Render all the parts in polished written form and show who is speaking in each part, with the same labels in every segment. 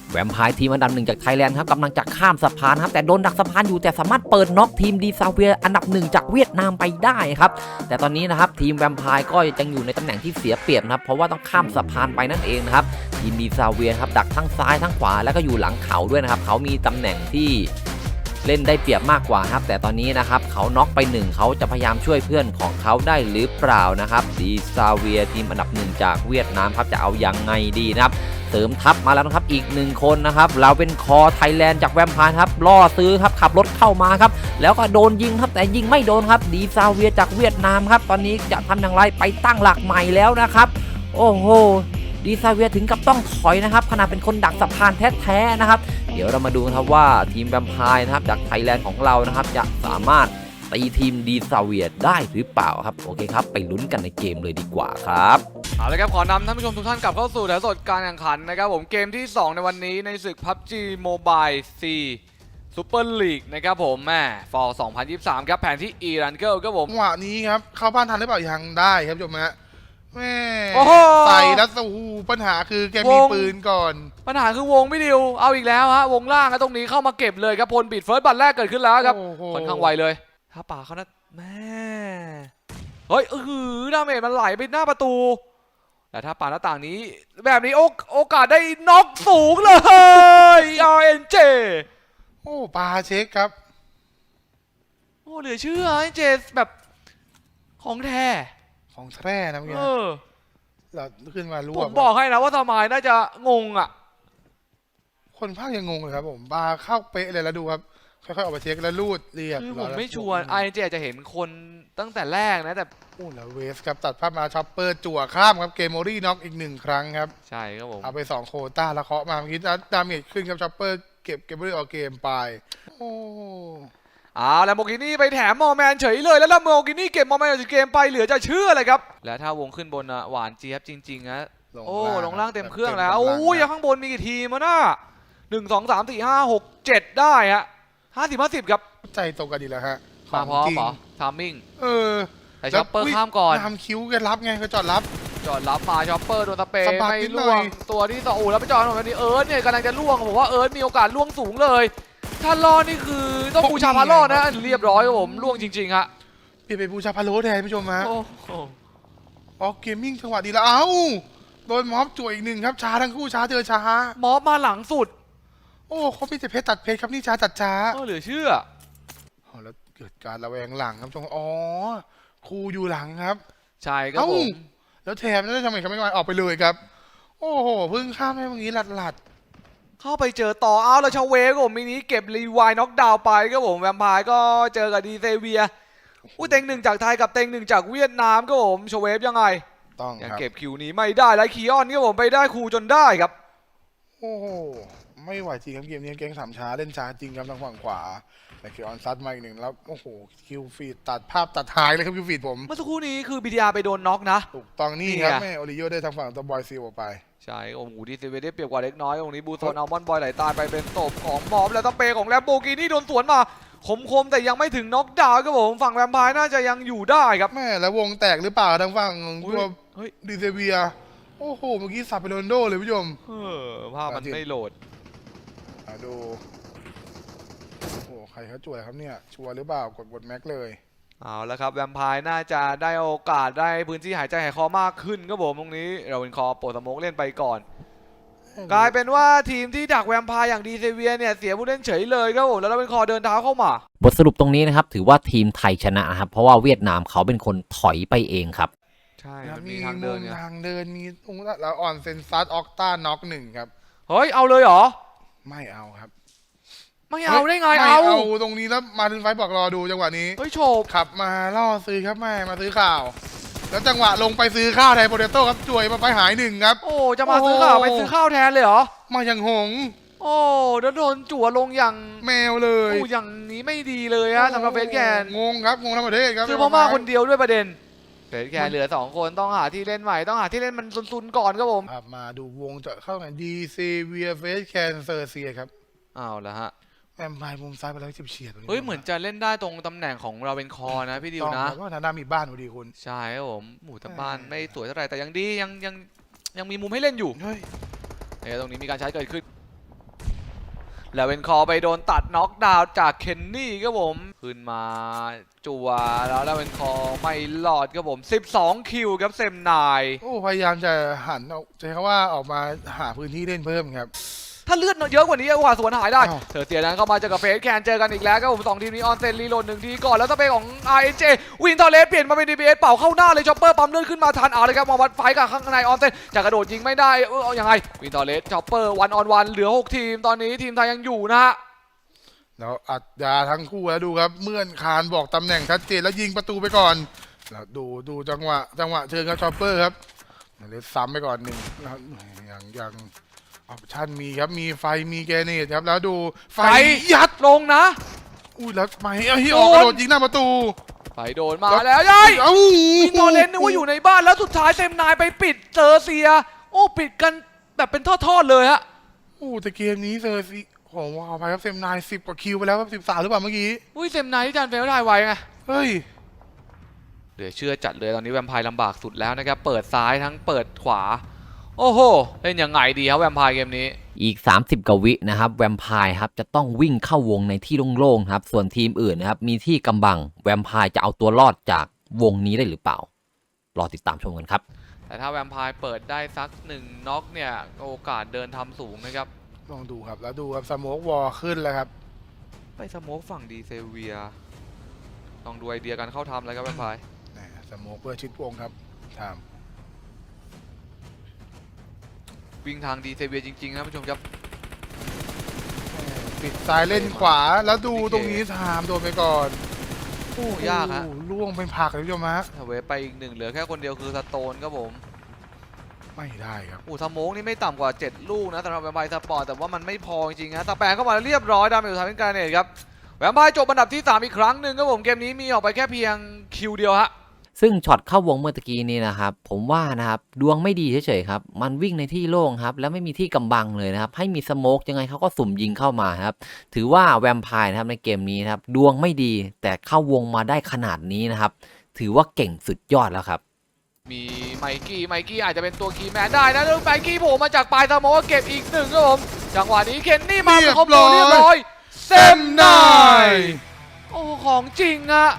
Speaker 1: แวมไพร์ทีมอันดับหนึ่งจากไทยแลนด์ครับกำลังจะข้ามสะพานครับแต่โดนดักสะพานอยู่แต่สามารถเปิดน็อกทีมดีซาเวียอันดับหนึ่งจากเวียดนามไปได้ครับแต่ตอนนี้นะครับทีมแวมไพร์ก็ยังอยู่ในตำแหน่งที่เสียเปรียบนะครับเพราะว่าต้องข้ามสะพานไปนั่นเองนะครับทีมดีซาเวียครับดักทั้งซ้ายทั้งขวาแล้วก็อยู่หลังเขาด้วยนะครับเขามีตำแหน่งที่เล่นได้เปรียบมากกว่าครับแต่ตอนนี้นะครับเขาน็อกไป1เขาจะพยายามช่วยเพื่อนของเขาได้หรือเปล่านะครับดีซาเวียทีมอันดับหนึ่งจากเวียดนามครับจะเอายังไงดีนะครับเสริมทัพมาแล้วนะครับอีก1คนนะครับเราเป็นคอไทยแลนด์จากแวมไพร์ครับล่อซื้อครับขับรถเข้ามาครับแล้วก็โดนยิงครับแต่ยิงไม่โดนครับดีซาเวียจากเวียดนามครับตอนนี้จะทำอย่างไรไปตั้งหลักใหม่แล้วนะครับโอ้โหดีซาเวียถึงกับต้องถอยนะครับขณะเป็นคนดักสะพานแท้ๆนะครับเดี๋ยวเรามาดูครับว่าทีมแวมไพร์นะครับจากไทยแลนด์ของเรานะครับจะสามารถตีทีมดีซาเวียได้หรือเปล่าครับโอเคครับไปลุ้นกันในเกมเลยดีกว่าครับ
Speaker 2: เอาละครับขอนำท่านผู้ชมทุกท่านกลับเข้าสู่ถ่ายสดการแข่งขันนะครับผมเกมที่ 2 ในวันนี้ในศึก PUBG Mobile C Super League นะครับผมแม่ฟอร์2023ครับแผนที่ E-Rangle ครับผม
Speaker 3: จังหวะนี้ครับเข้าบ้านทันหรือเปล่ายังได้ครับผู้ชมฮะแม่ใส่แล้วสู้ปัญหาคือแกมีปืนก่อน
Speaker 2: ปัญหาคือวงไม่ดิวเอาอีกแล้วฮะวงล่างตรงนี้เข้ามาเก็บเลยครับพลบิดเฟิร์สบัตรแรกเกิดขึ้นแล้วครับค่อนข้างไวเลยถ้าป่าเขานะแม่เฮ้ยดาเมจมันไหลไปหน้าประตูแต่ถ้าป่าหน้าต่างนี้แบบนี้โอกาสได้น็อกสูงเลย RNG
Speaker 3: โอ้ปาเช็คครับ
Speaker 2: โอ้เหลือเชื่อ RNG แบบของแท้
Speaker 3: ของแท้นะเมื่อกี้เราขึ้นมารวบ
Speaker 2: ผมบอกให้นะว่าสมัยน่าจะงงอ่ะ
Speaker 3: คนภาคยังงงเลยครับผมปาเข้าเป๊ะเลยแล้วดูครับค่อยๆออกไปเช็คแล้วลูดเรียบ
Speaker 2: คือผมไม่ชัวร์RNGจะเห็นคนตั้งแต่แรกนะแต่
Speaker 3: โอ้แล้วเวสครับตัดภาพมาช็อปเปอร์จั่วข้ามครับเกมโมรี่น็อกอีก1ครั้งครับ
Speaker 2: ใช่ครับผม
Speaker 3: เอาไป2โควต้าแล้วเคาะมาเมื่อกี้ดาเมจขึ้นครับช็อปเปอร์เก็บเกมโมรี่ออกเกมไปโอ้
Speaker 2: แล้วโมกินี่ไปแถมมอแมนเฉยเลยแล้วโมกินี่เก็บมอแมนจากเกมไปเหลือจะเชื่อเลยครับและถ้าวงขึ้นบนหวานเจี๊ยบจริงๆนะโอ้ลงล่างเต็มเครื่องแล้วโอ้ยข้างบนมีกี่ทีมน่ะ1 2 3 4 5 6 7ได้ฮะ50-50ครับ
Speaker 3: ใจตรงกันดีแล้วฮะ
Speaker 2: มาพร้อมเหรอทามมิ่งแต่ช็อปเปอร์ข้ามก่อน
Speaker 3: ทำคิวกันรับไงก็จอดรับ
Speaker 2: มาช็อปเปอร์โดนสเปรย์ไม่ล่วงตัวที่2แล้วไปจอดตรงนี้เนี่ยกำลังจะล่วงผมว่ามีโอกาสล่วงสูงเลยถ้ารอดนี่คือต้องบูชาพาโลนะเรียบร้อยครับผมล่วงจริงๆฮะ
Speaker 3: เปลี่ยนเป็นบูชาพาโลแทนผู้ชมฮะ
Speaker 2: อ
Speaker 3: อกเกมมิ่งจังหวะดีแล้วโดนม็อบจ่วยอีก1ครับช้าทั้งคู่ช้าเจอช้า
Speaker 2: ม็อบมาหลังสุด
Speaker 3: โอ้เขาพี่จะเพชรตัดเพชรครับนี่ช้าตัดช้า
Speaker 2: เหลือเชื่อ
Speaker 3: แล้วเกิดการระแวงหลังครับจงครูอยู่หลังครับ
Speaker 2: ใช่ครับผม
Speaker 3: แล้วแถมแล้วทำไมเขาไม่มาออกไปเลยครับโอ้โหพึ่งข้ามให้เมื่อกี้หลัด
Speaker 2: เข้าไปเจอต่อแล้วชาเวฟผมมินิเก็บรีไวน็อกดาวไปครับผมแวมไพร์ก็เจอกับดีเซเวียเต็ง1จากไทยกับเต็ง1จากเวียดนามครับผมชาเวฟยังไง
Speaker 3: ต้อง
Speaker 2: ยังเก็บคิวนี้ไม่ได้ไลคีออนครับผมไปได้ครูจนได้ครับ
Speaker 3: โอ้โหไม่ไหวจริงครับเกมนี้เกม3ช้าเล่นช้าจริงครับทางฝั่งขวาแต่คิวออนซัดมาอีก1แล้วโอ้โหคิวฟีดตัดภาพตัดหายเลยครับคิวฟีดผม
Speaker 2: เมื่อสักครู่นี้คือ BTR ไปโดนน็อกนะ
Speaker 3: ถูกต้องนี่ครับแม่โอริโยได้ทางฝั่งตัวบอยซิลออกไป
Speaker 2: ใช่โอ้โหดีเซเวียได้เปรียบกว่าเล็กน้อยตรงนี้บูโซนอัลมอนด์บอยไหลตายไปเป็นตบของมอบแล้วตะเปของแลมโบกินี่โดนสวนมาคมแต่ยังไม่ถึงน็อกดาวน์ครับผมฝั่งแวมไพร์น่าจะยังอยู่ได้ครับ
Speaker 3: แม่แล้ววงแตกหรือเปล่าทางฝั่งตัวดีเซเวียโอ้โหเมื่อกี้สับไปโรนโดเลยผู้ชม
Speaker 2: ภาพมันไม่โหลด
Speaker 3: ดูโอ้โหใครเขาจ่วยครับเนี่ยชัวร์หรือเปล่ากดบทแม็กเลย
Speaker 2: เอาแล้วครับแวมไพร์น่าจะได้โอกาสได้พื้นที่หายใจหายคอมากขึ้นครับผมตรงนี้เราเป็นคอโปรสโมกเล่นไปก่อนกลายเป็นว่าทีมที่ดักแวมไพร์อย่างดีเซเวียเนี่ยเสียผู้เล่นเฉยเลยครับผมแล้วเราเป็นคอเดินเท้าเข้ามา
Speaker 1: บทสรุปตรงนี้นะครับถือว่าทีมไทยชนะครับเพราะว่าเวียดนามเขาเป็นคนถอยไปเองครับ
Speaker 2: ใช่
Speaker 3: มีทางเดินมีตรงแล้วออนเซนซัสออกต้าน็อก1ครับ
Speaker 2: เฮ้ยเอาเลยเหรอ
Speaker 3: ไม่เอาครับ
Speaker 2: ไม่เอาได้ไง
Speaker 3: เอาตรงนี้แล้วมาถึงไฟบอกรอดูจังหวะนี้
Speaker 2: เฮ้ยโฉบ
Speaker 3: ขับมาล่อซื้อครับแม่มาซื้อข่าวแล้วจังหวะลงไปซื้อข้าวไทยโปเตโต้ครับจ่วยมาไปหาย1ครับ
Speaker 2: โอ้จะมาซื้อข้าวไปซื้อข้าวแทนเลยเหรอ
Speaker 3: มาอย่างหง
Speaker 2: โอ้แล้วโดนจั่วลงอย่าง
Speaker 3: แมวเลย
Speaker 2: อย่างนี้ไม่ดีเลยฮะสำหรับเฟสแกน
Speaker 3: งงครับงงทั้งประเทศครับ
Speaker 2: คือพม่าคนเดียวด้วยประเด็นเฟสแกนเหลือ2คนต้องหาที่เล่นใหม่ต้องหาที่เล่นมันซุนๆก่อนครับผม
Speaker 3: มาดูวงจะเข้ากันดีเซเวียเฟสแคนเซอร์เซียครับ
Speaker 2: เอาละฮะ
Speaker 3: แอมไพร์มุมซ้ายไปแล้วเฉียด
Speaker 2: เฮ้ยเหมือนจะเล่นได้ตรงตำแหน่งของเราเป็นคอนะพี่ดิวนะ
Speaker 3: เพราะทางด้านมีบ้านพอดีคุณ
Speaker 2: ใช่ครับผมหมู่แต่บ้านไม่สวยเท่าไหร่แต่ยังดียังมีมุมให้เล่นอยู่เฮ้ยตรงนี้มีการใช้เกิดขึ้นแล้วเป็นคอไปโดนตัดน็อกดาวน์จากเคนนี่ครับผมขึ้นมาจัวแล้วเป็นคอไม่รอดครับผม12คิวครับเซมนาย
Speaker 3: โอ้พยายามจะหันเอาใช้คำว่าออกมาหาพื้นที่เล่นเพิ่มครับ
Speaker 2: ถ้าเลือดเยอะกว่านี้กว่าสวนหายได้
Speaker 3: อ้าว
Speaker 2: เธอเตียนั้นเข้ามาเจอกับเฟสแคนเจอกันอีกแล้วครับผม2ทีมนี้ออนเซนรีโหลด1ทีก่อนแล้วสเปคของ RNJ วินเทอร์เลสเปลี่ยนมาเป็น DBS เป่าเข้าหน้าเลยช็อปเปอร์ปั๊มเลือดขึ้นมาทันเอาเลยครับมาวัดไฟกับข้างในออนเซนจะกระโดดยิงไม่ได้เอายังไงวินเทอร์เลสช็อปเปอร์วันออนวันเหลือ6ทีมตอนนี้ทีมไทยยังอยู่นะฮะ
Speaker 3: แล้วอัดยาทั้งคู่แล้วดูครับเมื่อนคานบอกตำแหน่งชัดเจนแล้วยิงประตูไปก่อนแล้วดูจังหวะเชิญครับชอปเปอร์ครับเลยซ้ำไปก่อน1แล้วยังออปชั่นมีครับมีไฟมีแกเนตครับแล้วดูไฟยัด
Speaker 2: ลงนะ
Speaker 3: อุ้ยแล้วไม่ที่ออกกระโดดยิงหน้าประตู
Speaker 2: ไปโดนมาแล้วยัย
Speaker 3: เอ้า
Speaker 2: วินเทอร์เลสนึกว่าอยู่ในบ้านแล้วสุดท้ายเซมนายไปปิดเซอร์เซียโอ้ปิดกันแบบเป็นทอดๆเลยฮะ
Speaker 3: โอ้แต่เกมนี้เซอร์ซีของวาวไปครับเซมนาย10กว่าคิวไปแล้วครับ13หรือเปล่าเมื่อกี้
Speaker 2: อุ้ยเซมนายที่จานเฟลได้ไวไง
Speaker 3: เฮ้ย
Speaker 2: เหลือเชื่อจัดเลยตอนนี้แวมไพร์ลำบากสุดแล้วนะครับเปิดซ้ายทั้งเปิดขวาโอ้โหเล่นยังไงดีครับแวมไพร์เกมนี้
Speaker 1: อีก 30 กว่าวินะครับแวมไพร์ครับจะต้องวิ่งเข้าวงในที่โล่งๆครับส่วนทีมอื่นนะครับมีที่กำบังแวมไพร์จะเอาตัวรอดจากวงนี้ได้หรือเปล่ารอติดตามชมกันครับ
Speaker 2: แต่ถ้าแวมไพร์เปิดได้สัก1น็อกเนี่ยโอกาสเดินทำสูงนะครับ
Speaker 3: ลองดูครับแล้วดูครับสโมกวอลขึ้นแล้วครับ
Speaker 2: ไปสโมกฝั่งดีเซเวียลองดูไอเดียการเข้าทำเลยครับแวมไพร์
Speaker 3: สโมกเพื่อชิดวงครับถาม
Speaker 2: วิ่งทางดีเซเวียจริงๆนะผู้ชมครับ
Speaker 3: ปิดซ้ายเล่นขวาแล้วดูตรงนี้ถามโดนไปก่อน
Speaker 2: โอ้ยากฮะ
Speaker 3: โอ้ล่วงเป็นผักเลยพี่ชมฮะ
Speaker 2: ถ้าเวฟไปอีก1เหลือแค่คนเดียวคือสโตนครับผม
Speaker 3: ไม่ได้ครับ
Speaker 2: สโมกนี่ไม่ต่ำกว่า7ลูกนะสำหรับแวมไพร์สปอร์ตแต่ว่ามันไม่พอจริงๆนะตะแปงเข้ามาเรียบร้อยดาเมจสุดท้ายเป็นการเนตครับแวมไพร์จบอันดับที่3อีกครั้งหนึ่งครับผมเกมนี้มีออกไปแค่เพียงคิวเดียวฮะ
Speaker 1: ซึ่งช็อตเข้าวงเมื่อตะกี้นี้นะครับผมว่านะครับดวงไม่ดีเฉยๆครับมันวิ่งในที่โล่งครับแล้วไม่มีที่กำบังเลยนะครับให้มีสโมกยังไงเขาก็สุ่มยิงเข้ามาครับถือว่าแวมไพร์นะครับในเกมนี้นะครับดวงไม่ดีแต่เข้าวงมาได้ขนาดนี้นะครับถือว่าเก่งสุดยอดแล้วครับ
Speaker 2: มีไมกี้อาจจะเป็นตัวคีย์แมนได้นะแล้วไมกี้โผล่มาจากปลายสโมกเก็บอีก1ครับผมจังหวะนี้เคนนี่มาเป็นคอมโบเรียบร้อยเซมนายโอ้ของจริงอะ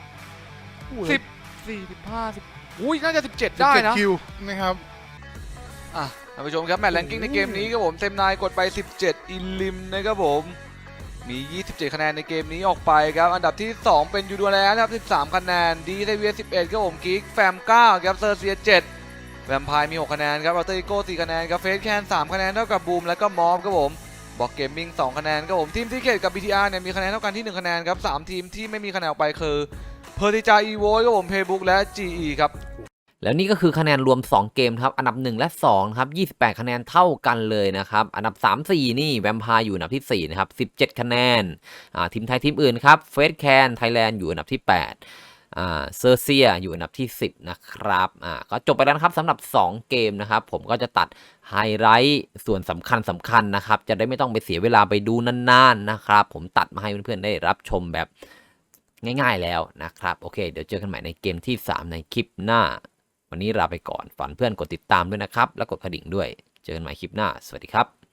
Speaker 2: 14 15อุ้ยน่าจะ17ได้นะ
Speaker 3: คิวนะครับ
Speaker 2: ท่านผู้ชมครับแมตช์แรงกิ้งในเกมนี้ครับผมเซมนายกดไป17อิลิมนะครับผมมี27คะแนนในเกมนี้ออกไปครับอันดับที่2เป็นยูดูแลนะครับ13คะแนนดีเซเวีย11ครับผมกิ๊กแฟม9ครับเซอร์เซีย7แวมไพร์มี6คะแนนครับเราเตอร์โก้4คะแนนครับเฟสแคน3คะแนนเท่ากับบูมและก็มอฟครับผมบอกเกมมิ่ง2คะแนนครับผมทีมซีเคทกับ BTR เนี่ยมีคะแนนเท่ากันที่1คะแนนครับ3ทีมที่ไม่มีคะแนนออกไปคือเพอร์ติจาอีโวครับผมเพย์บุ๊กและ GE ครับ
Speaker 1: แล้วนี่ก็คือคะแนนรวม 2 เกมครับอันดับ 1 และ 2 ครับ28 คะแนนเท่ากันเลยนะครับอันดับ 3 4 นี่แวมไพร์อยู่อันดับที่ 4 นะครับ17 คะแนนทีมไทยทีมอื่นครับเฟสแคนไทยแลนด์อยู่อันดับที่ 8เซอร์เซียอยู่อันดับที่ 10 นะครับก็จบไปแล้วนะครับสำหรับ 2 เกมนะครับผมก็จะตัดไฮไลท์ส่วนสำคัญนะครับจะได้ไม่ต้องไปเสียเวลาไปดูนานๆนะครับผมตัดมาให้เพื่อนๆได้รับชมแบบง่ายๆแล้วนะครับโอเคเดี๋ยวเจอกันใหม่ในเกมที่ 3 ในคลิปหน้าวันนี้ลาไปก่อนฝากเพื่อนกดติดตามด้วยนะครับแล้วกดกระดิ่งด้วยเจอกันใหม่คลิปหน้าสวัสดีครับ